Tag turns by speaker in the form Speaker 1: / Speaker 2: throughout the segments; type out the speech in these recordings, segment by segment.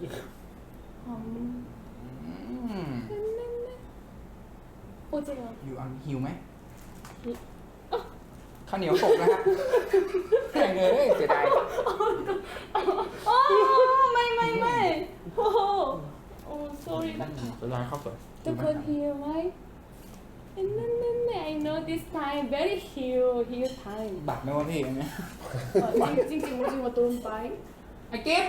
Speaker 1: โอ้จริงเหรอ
Speaker 2: อยู่อันหิวไหมข้าวเหนียวตกนะฮะแข่งเลยเสียดาย
Speaker 1: อ๋อไม่โอ้โอ้ sorry
Speaker 2: เสียดายข้าวสวย
Speaker 1: ทุกคนหิวไหมนั่น I know this time very heal time
Speaker 2: บัตรไหมวะพี่อันเนี้ย
Speaker 1: จริงโอ้ตูนไป
Speaker 2: ไอ้กิ๊บ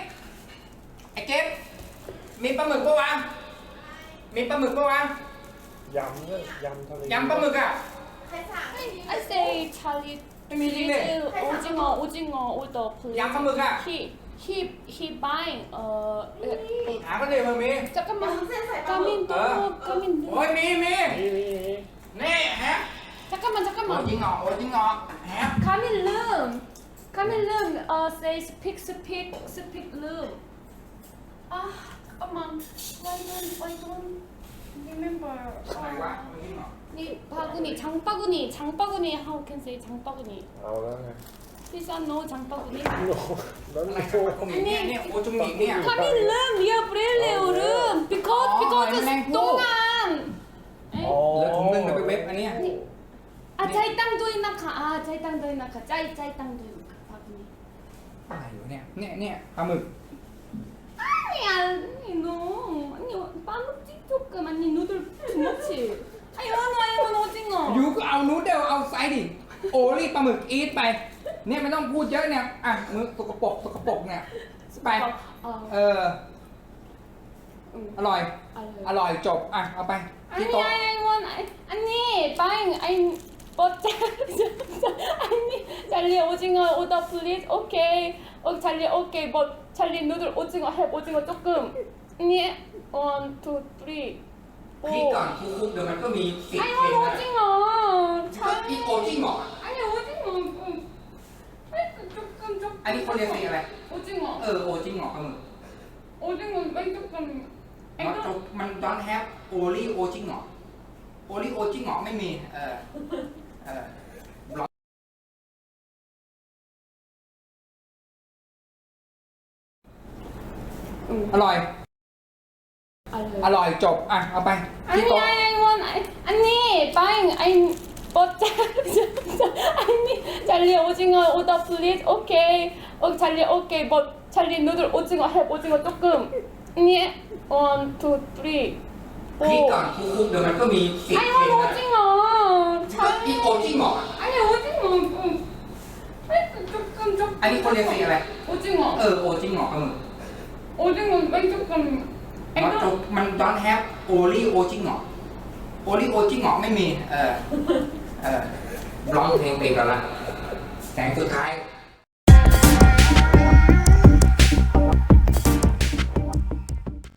Speaker 2: มีปลาหมึกปะวะมีปลาหมึกปะวะ
Speaker 3: ยำเนี่ยยำทะเลย
Speaker 2: ำปลาหมึกอ่ะ
Speaker 1: I say Charlie
Speaker 2: ไม่มีจริงเลย
Speaker 1: 오징어 order please
Speaker 2: ยำปลาหมึกอ่ะ
Speaker 1: he buying
Speaker 2: หาก็เลยมันมี
Speaker 1: 잠깐만 가민 또 가민
Speaker 2: โอ้ยมี
Speaker 3: นี่
Speaker 2: นี่ฮะ
Speaker 1: 잠깐만
Speaker 2: โอ้ยจริงเหรอฮะ
Speaker 1: 가민 룸 say speak room 아 잠깐만 why don't remember
Speaker 2: อะไรวะจริงเหรอ
Speaker 1: 니 장바구니 how can say 장바구니
Speaker 3: เอาแล้วไง
Speaker 1: please no 장바구니
Speaker 3: โน้แล้ว
Speaker 2: อะไร
Speaker 3: โน้
Speaker 2: โอ้ยเนี่ยโอจุงหมิงเนี่ย
Speaker 1: 가민 룸 미아 브렐레 오름 because 동안
Speaker 2: เหลือถุงนึงเดี๋ยวไปเว็บอันเนี้ย
Speaker 1: 아 짜이땅도 있나카 짜이땅도 있나카 짜이땅도 있나카 바구니
Speaker 2: อะไรอยู่เนี่ยปลาหมึก
Speaker 1: 아니 빠먹지 조금 아니 누들 투머치 아이원 오징어
Speaker 2: อยู่ก็เอานูดเดิลเอาไซส์ดิโอลี่ปลาหมึกอีทไปเนี่ยไม่ต้องพูดเยอะเนี่ยอ่ะมือสกปรกเนี่ยไปอร่อยจบอ่ะเอาไปที่โต๊ะ
Speaker 1: 아니 빠잉 아니 뽀짜 아니 찰리 오징어 오더 플리즈 오케이 찰리 오케이 뭐 찰리 누들 오징어 해 오징어 조금 아니 1, 2, 3
Speaker 2: พี่ก่อนคุกเดี๋ยวมันก็มีสิทธิ์
Speaker 1: 아니
Speaker 2: เองนะ
Speaker 1: 오징어
Speaker 2: อีโอจริงเหรอ
Speaker 1: 아니 오징어 조금
Speaker 2: อันนี้เขาเรียกสิอะไร
Speaker 1: 오징어
Speaker 2: โอจริงเหรอปลาหมึก
Speaker 1: 오징어 왜 조금
Speaker 2: มันดอนแฮปโอลี่โอจริงเหรอโอลี่โอจริงเหรอไม่มีอร่อยจบอ่ะเอาไปที่
Speaker 1: 아니
Speaker 2: โต๊ะ
Speaker 1: 아니 빠잉 아니 뽀짜 아니 찰리 오징어 오더 플리즈 오케이 찰리 오케이 뭐 찰리 누들 오징어 해 오징어 조금 아니 1, 2, 3
Speaker 2: พี่ก่อนคุกเดี๋ยวมันก็มีสิทธิ์
Speaker 1: 아니
Speaker 2: เองนะ
Speaker 1: 오징어
Speaker 2: อีโอจริงเหรอ
Speaker 1: 아니 오징어 조금
Speaker 2: อันนี้เขาเรียกสิอะไร
Speaker 1: 오징어
Speaker 2: โอจริงเหรอปลาหมึก
Speaker 1: 오징어 왜 조금
Speaker 2: มันดอนแฮปโอลี่โอจริงเหรอโอลี่โอจริงเหรอไม่มีร้องเพลงไปกันละแสงสุดท้าย